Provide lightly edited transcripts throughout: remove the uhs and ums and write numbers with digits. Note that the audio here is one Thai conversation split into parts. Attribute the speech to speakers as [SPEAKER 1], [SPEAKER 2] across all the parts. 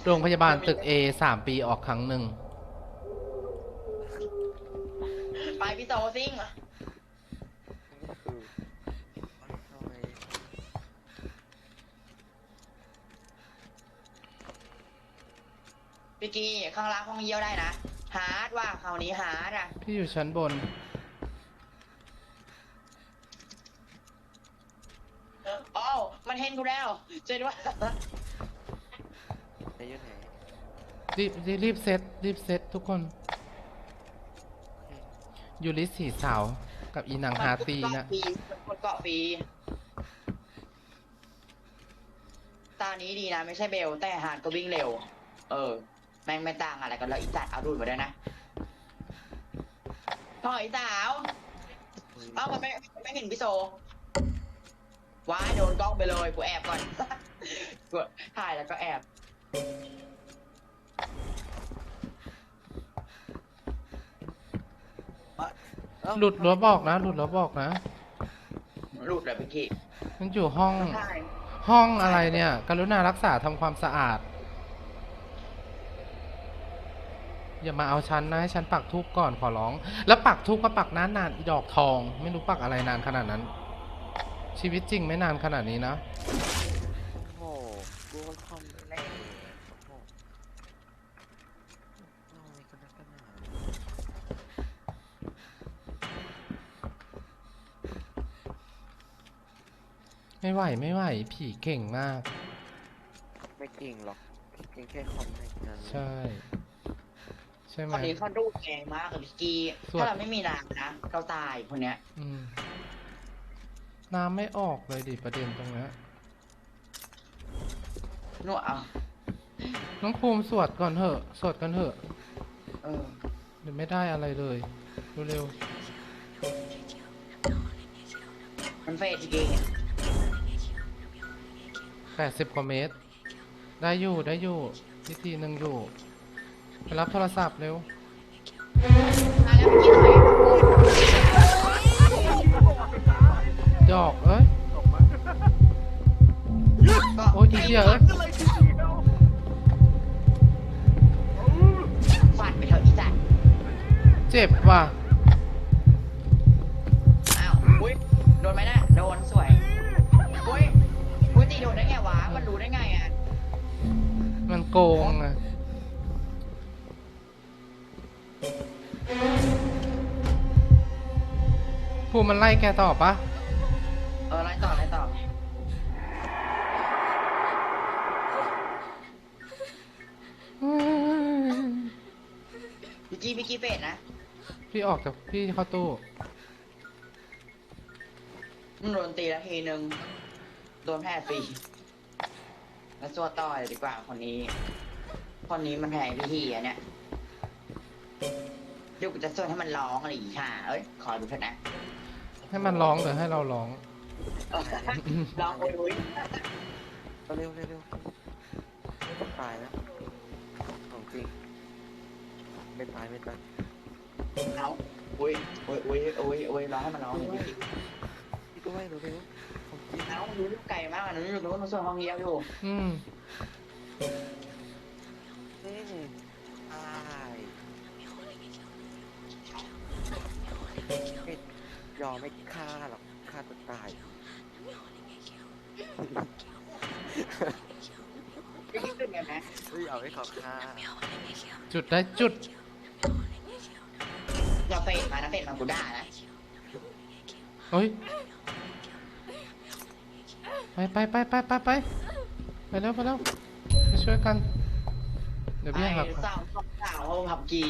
[SPEAKER 1] โรงพยาบาลตึก A 3 ปีออกครั้งหนึ่ง
[SPEAKER 2] ไปพี่โตซิ่งพี่กีข้างล่างห้องเยี่ยวได้นะฮาร์ดว่าคราวนี้ฮาร์ดอ่ะ
[SPEAKER 1] พี่อยู่ชั้นบน
[SPEAKER 2] อ๋อมันเห็นกูแล้วเจ๊ด้วย
[SPEAKER 3] ไอ้ยุ่นไหน
[SPEAKER 1] รีบเซตทุกคนยูริสี่สาวกับอีนางฮาตีนะ
[SPEAKER 2] มันเกาะฟรีตานี้ดีนะไม่ใช่เบลแต่ฮาร์ดก็วิ่งเร็วแม่งไม่ต่างอะไรกันแล้วอีสัตว์เอาดูดมาด้วยนะพ่ออีสาวมันไม่เห็นพี่โซว้ายโดนกล้องไปเลยกูแอบก่อนกูถ่ายแล้วก็แอบ
[SPEAKER 1] หลุดแล้วบอกนะหลุดเลย
[SPEAKER 2] พี่กี้
[SPEAKER 1] มันอยู่ห้องอะไรเนี่ยกรุณารักษาทำความสะอาดอย่ามาเอาฉันนะให้ฉันปักธูปก่อนขอร้องแล้วปักธูปก็ปักนานอีดอกทองไม่รู้ปักอะไรนานขนาดนั้นชีวิตจริงไม่นานขนาดนี้นะ
[SPEAKER 3] โอ้กูก็คอมแรกโอ้อะไรกันนักกันหนา
[SPEAKER 1] ไม่ไหวผีเก่งมาก
[SPEAKER 3] ไม่เก่งหรอกเก่งแค่คอมแรกนั้น
[SPEAKER 1] ใช่ไหม
[SPEAKER 2] คนนี้เขาดูแรงมากกับพี่กี้ถ้าเราไม่มีน้ำนะเราตายคนเนี้ย
[SPEAKER 1] น้ำไม่ออกเลยดิประเด็นตรงนี้
[SPEAKER 2] นวดเอา
[SPEAKER 1] น้องภูมิสวดก่อนเถอะเดี๋ยวไม่ได้อะไรเลยเร็ว
[SPEAKER 2] มันเฟดจริง
[SPEAKER 1] 80 กว่าเมตรได้อยู่วิธีหนึ่งอยู่ไปรับโทรศัพท์เร็ว
[SPEAKER 2] มาแล้วพี่กี้ถอย
[SPEAKER 1] ดอกเอ้ยโอ้ยอีเหี้ยเอ้ย
[SPEAKER 2] ฟันไปเถอะอีสัตว์
[SPEAKER 1] เจ็บว่ะ
[SPEAKER 2] อ้าวอุ้ยโดนไหมนะโดนสวยอุ้ยตีโดนได้ไงวะมันรู้ได้ไงอ่ะ
[SPEAKER 1] มันโกงอ่ะภูมิมันไล่แกต่อปะ
[SPEAKER 2] ไล่ต่อพี่กี้เป็ดนะ
[SPEAKER 1] พี่ออกจากพี่เข้าตู้
[SPEAKER 2] โดนตีแล้วทีนึงโดนแพ้ฟรีแล้วตัวต่อยดีกว่าคนนี้มันแพ้พี่ทีอ่ะเนี่ยเดี๋ยวกูจะสวดให้มันร้องอะไรอีกค่ะขอดูเถอะนะ
[SPEAKER 1] ให้มันร้องหรือให้เราร้อง
[SPEAKER 2] ร้องโอ้ย
[SPEAKER 3] เร็วไม่ตายนะของจริงไม่ตาย
[SPEAKER 2] เอาอุ้ยร้องให้มันร้อง
[SPEAKER 3] พี่ก็ไม่เร็วของจริง
[SPEAKER 2] เอารู้ไกลมากนะรู้ว่ามันส่วนห้องเยี่ยมอยู่
[SPEAKER 3] ตายไม่ยอมไม่ฆ่าหรอกฆ่าตัวตาย
[SPEAKER 2] ไม่คิดถึงกันนะ
[SPEAKER 3] เอาให้เขาฆ่า
[SPEAKER 1] จุดได้จุด
[SPEAKER 2] อย่าเฟดมานะเฟดมากูด่านะ
[SPEAKER 1] เฮ้ยไปแล้วไปช่วยกันเดี๋ยวพี่หัก
[SPEAKER 2] สาวผับกี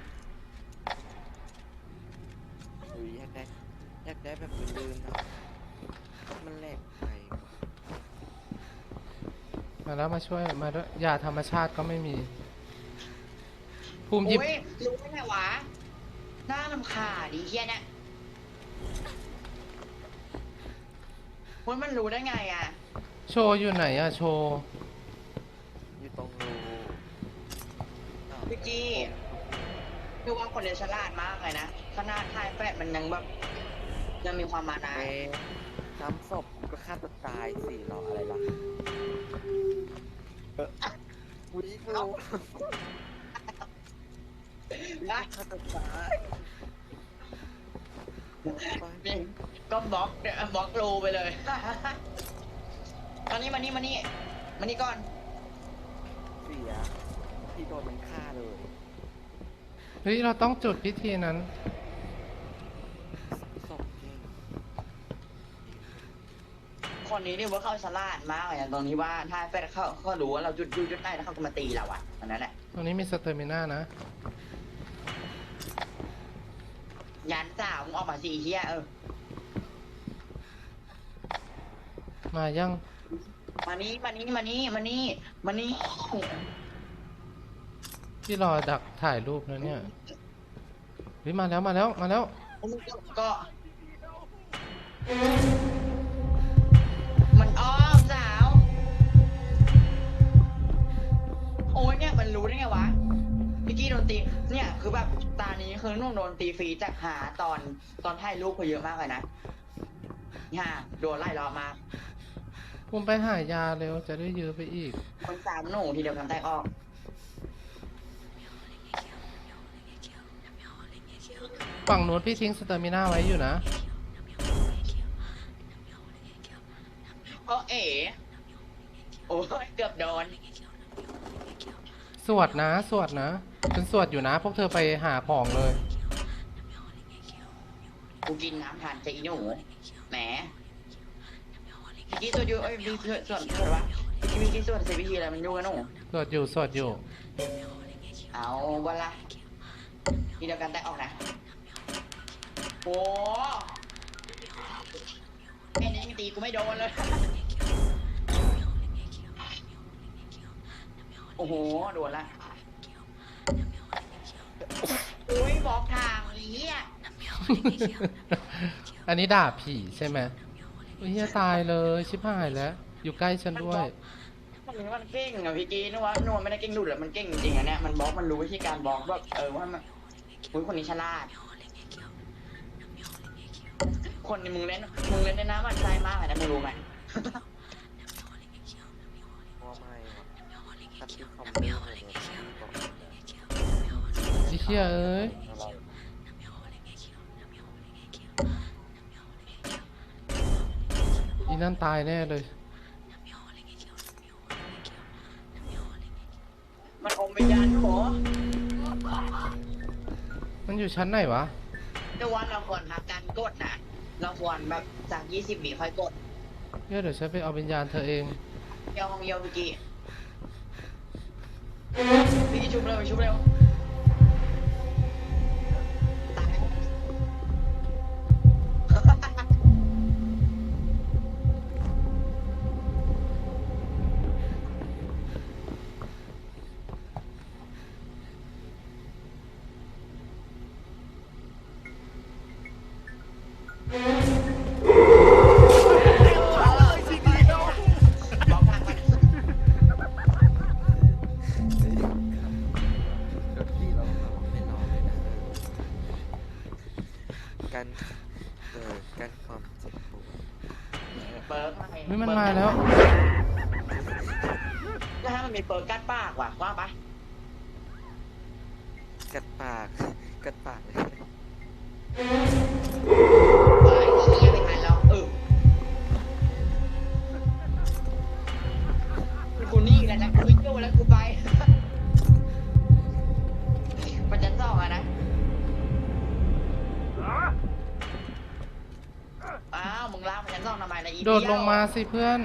[SPEAKER 3] อยากได้แบบลืมนะมันแหลกไป
[SPEAKER 1] มาแล้วมาช่วยมาด้วยยาธรรมชาติก็ไม่มีภูมิหยิบ
[SPEAKER 2] รู้ได้ไงวะหน้าลำคาดีเฮียเนี่ยมันรู้ได้ไงอ่ะ
[SPEAKER 1] โชว์อยู่ไหนอะโชว์
[SPEAKER 3] อยู่ตรงรู
[SPEAKER 2] พี่กี้คือว่าคนเดียวฉลาดมากเลยนะขนาดท้ายแฟดมันยังมีความมานะ
[SPEAKER 3] ซ้ำศพก็ฆ่าตัวตายสิรออะไรล่ะวิ่งกู
[SPEAKER 2] นะ
[SPEAKER 3] ฆ่าตัวตายไป
[SPEAKER 2] นี่ก็บล็อกบล็อกรูไปเลย มานี่มานี่มานี่มานี่ก่อน
[SPEAKER 3] เสียพี่โดนมันฆ่าเลย
[SPEAKER 1] เฮ้ยเราต้องจุดพิธีนั้น
[SPEAKER 3] ศพเก่ง
[SPEAKER 2] คนนี้นี่ว่าเขาฉลาดมากเลยนะตรงนี้ว่าถ้าแฟนเขารู้ว่าเราจุดได้แล้วเขาก็มาตีเราอะอันนั้นแหละ
[SPEAKER 1] ตรงนี้มีสเตอร์มิน่านะ
[SPEAKER 2] ยันสาวมึงออกมาสี่เฮีย
[SPEAKER 1] มายัง
[SPEAKER 2] มานี่มานี่มานี่มานี่มานี่
[SPEAKER 1] พี่รอดักถ่ายรูปนะเนี่ยเฮ้ยมาแล้วมาแล้วมาแล้ว
[SPEAKER 2] ก็มันอ้อมสาว โอ้ยเนี่ยมันรู้ได้ไงวะพี่กี้โดนตีเนี่ยคือแบบตานี้คือนุ่งโดนตีฟรีจากหาตอนถ่ายรูปเขาเยอะมากเลยนะฮ่าโดนไล่รอบมา
[SPEAKER 1] ผมไปหายาเร็วจะได้ยื้อไปอีก
[SPEAKER 2] คนสามหนูทีเดียวทำแตกออก
[SPEAKER 1] ฝั่งนู้นพี่ทิ้งสเตอร์มิน่าไว้อยู่นะ
[SPEAKER 2] โอ้เอ๋โอ้ยเกือบโดน
[SPEAKER 1] สวดนะสวดนะฉันสวดอยู่นะพวกเธอไปหาของเลย
[SPEAKER 2] กูกินน้ำทานจะอีหนูแหมพี่กี้ส่วนอยู่เอ้ยมีส่วนวะพี่มีกี่ส่วนเซบีทีอะไรมันอยู่กันหนู
[SPEAKER 1] สวดอยู่สวดอยู่
[SPEAKER 2] เอาวันละทีเดียวกันแตกออกนะโอ้ไอ้นี่ตีกูไม่โดนเลย โอ้โหโดนละอุ้ยบอกทางนี้อ่ะ
[SPEAKER 1] อันนี้ด่าผีใช่ไหมเฮียตายเลยชิบหายแล้ว อยู่ใกล้ฉันด้วย
[SPEAKER 2] มันเก่งอะพี่กีนึกว่าไม่ได้เก่งดุดหรอกมันเก่งจริงอะเนี่ยมันบล็อกมันรู้วิธีการบล็อกแบบว่ามันคุณคนนี้ฉลาดคนนี้มึงเล่นในน้ำมันใจมากเลยนะมึงรู้ไหม
[SPEAKER 3] ว่าไม่ตัดที่คอมเมนต์เลยเนี่ยบอก
[SPEAKER 1] ไอ้เฮียเอ้ย
[SPEAKER 3] อะไร
[SPEAKER 1] อีนั่นตายแน่เลย
[SPEAKER 2] มันอมวิญญาณโห
[SPEAKER 1] มันอยู่ชั้นไหนวะ
[SPEAKER 2] แต่ว่าเราควรพักการกดนะเราควรแบบจาก20 วิค่อยกด
[SPEAKER 1] เดี๋ยวฉันไปเอาวิญญาณเธอเอง
[SPEAKER 2] เยี่ยวของเยี่ยวพี่กีชุบเร็วชุบเร็วตาย บอกทางมัน
[SPEAKER 3] เดี๋ยวพี่เราแบบไม่รอเลยนะกันกันความเจ็บปวด
[SPEAKER 2] เปิร์ก
[SPEAKER 1] เฮ้ยมันมาแล้ว
[SPEAKER 2] แล้วถ้ามันมีเปิร์กกัดปากว่ะว่าปะ
[SPEAKER 3] กัดปากเลย
[SPEAKER 2] ไอ้เหี้ยไม่ทันแล้วกูนี่แหละนะกูไม่โจ้แล้วกูไป มันจะซ่องอะนะอ้าวมึงลากมันจะซ่องทำไมนะอี
[SPEAKER 1] โดดลงมาสิเพื่อน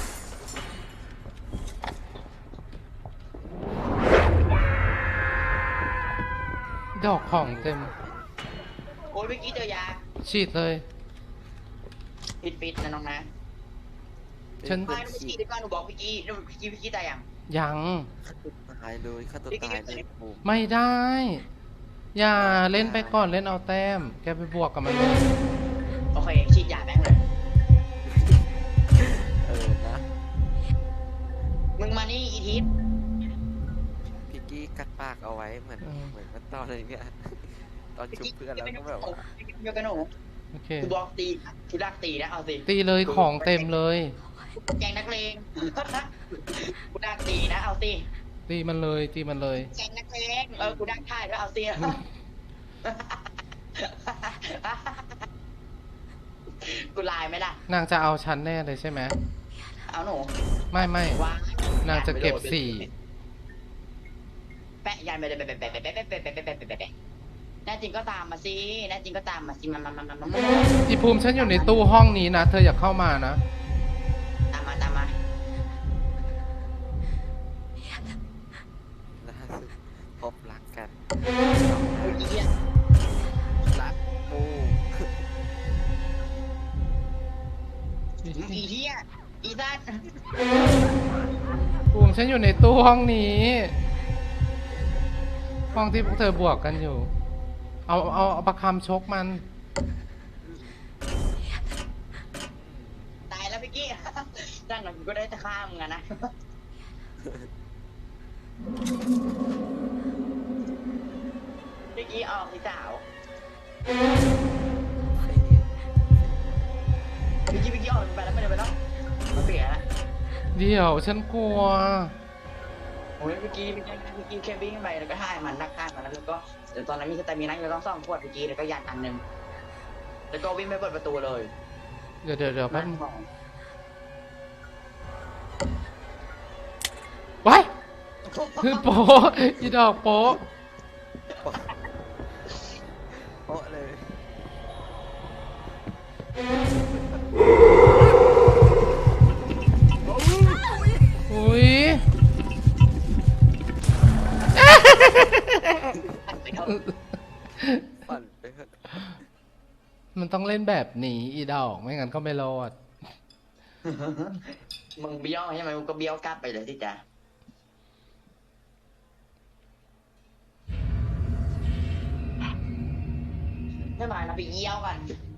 [SPEAKER 1] ดอกของเต็ม
[SPEAKER 2] โอ้ยเมื่อกี้เจอยา
[SPEAKER 1] ฉีดเลย
[SPEAKER 2] ปิดนะน้องนะ
[SPEAKER 1] ฉัน
[SPEAKER 2] ไม่เมื่อกี้ดีกว่าหนูบอกพี่กี้ตายยัง
[SPEAKER 1] ยัง
[SPEAKER 3] ตายเลยฆ่าตัวตายเลยโอ้
[SPEAKER 1] ไม่ได้ อย่าเล่นไปก่อนเล่นเอาแต้ม แกไปบวกกับมันเลย
[SPEAKER 2] โอเคฉีดยาแม่งเลย
[SPEAKER 3] นะ
[SPEAKER 2] มึงมานี่อีทิพย์
[SPEAKER 3] พี่กี้กัดปากเอาไว้เหมือนมันตอนอะไรเนี่ยตอนชุบเพื่อนแล้วก็แบบว่า
[SPEAKER 2] เดียวกันหนู
[SPEAKER 1] โอเค
[SPEAKER 2] กูบอกตีกูดักตีนะเอาสิ
[SPEAKER 1] ตีเลยของเต็มเลย
[SPEAKER 2] แกงนักเลง กูดักตีนะเอาสิ
[SPEAKER 1] ตตีมันเลยตีมันเลย
[SPEAKER 2] แจงนักเลงกูดังถ่ายแล้วเอาเสียกูไลน์ไหมล่ะ
[SPEAKER 1] นางจะเอาฉันแน่เลยใช่ไหม
[SPEAKER 2] เอาหนู
[SPEAKER 1] ไม่ไม่
[SPEAKER 2] ว้าน
[SPEAKER 1] างจะเก็บสี่
[SPEAKER 2] แปะยันไปเลยแปะแปะแปะแปะแปะแปะแปะแปะแปะแปะแน่จริงก็ตามมาสิแน่จริงก็ตามมาสิมา
[SPEAKER 1] อีภูมิฉันอยู่ในตู้ห้องนี้นะเธออย่าเข้ามานะ
[SPEAKER 2] ตามมาตามมา
[SPEAKER 3] ล่าสุดพบรักกัน
[SPEAKER 2] เฮ้ยเหี้ย
[SPEAKER 3] รักมู
[SPEAKER 2] อีเหี้ยอีสัตว์
[SPEAKER 1] ภูมิฉันอยู่ในตู้ห้องนี้ ห้องที่พวกเธอบวกกันอยู่ เอาประคำชกมัน
[SPEAKER 2] ตายแล้วพี่กี้นั่นหน่อยกูก็ได้จะฆ่ามึงอะนะพี่กี้ออกสิสาว พี่กี้ออกไปแล้วไม่ได้ไปแล้วมาเปลี่ยนแล้ว
[SPEAKER 1] เดี๋ยวฉันกลัว
[SPEAKER 2] โอ้ยพี่กี้แค่วิ่งไปแล้วก็ท่ายมันนักฆ่ามันแล้วก็เดี๋ยวตอนนั้นมีสเตมินัอยู่ต้องซ่อมขวดพี่กี้แล้วก็ยันอันหนึ่งแล้วก็วิ่งไปเปิดประตูเลย
[SPEAKER 1] เดี๋ยวแป๊บนึงไว้คือโป๊ะอีดอกโป๊ะ
[SPEAKER 3] โป๊ะเลย
[SPEAKER 1] อุ้ย
[SPEAKER 3] ปั่นไปเถอะ
[SPEAKER 1] มันต้องเล่นแบบนี้อีดอกไม่งั้นก็ไม่รอด
[SPEAKER 2] มึงเบี้ยวใช่ไหมมึงก็เบี้ยวกลับไปเลยที่จ้ะไม่มาเราไปเยี่ยวกัน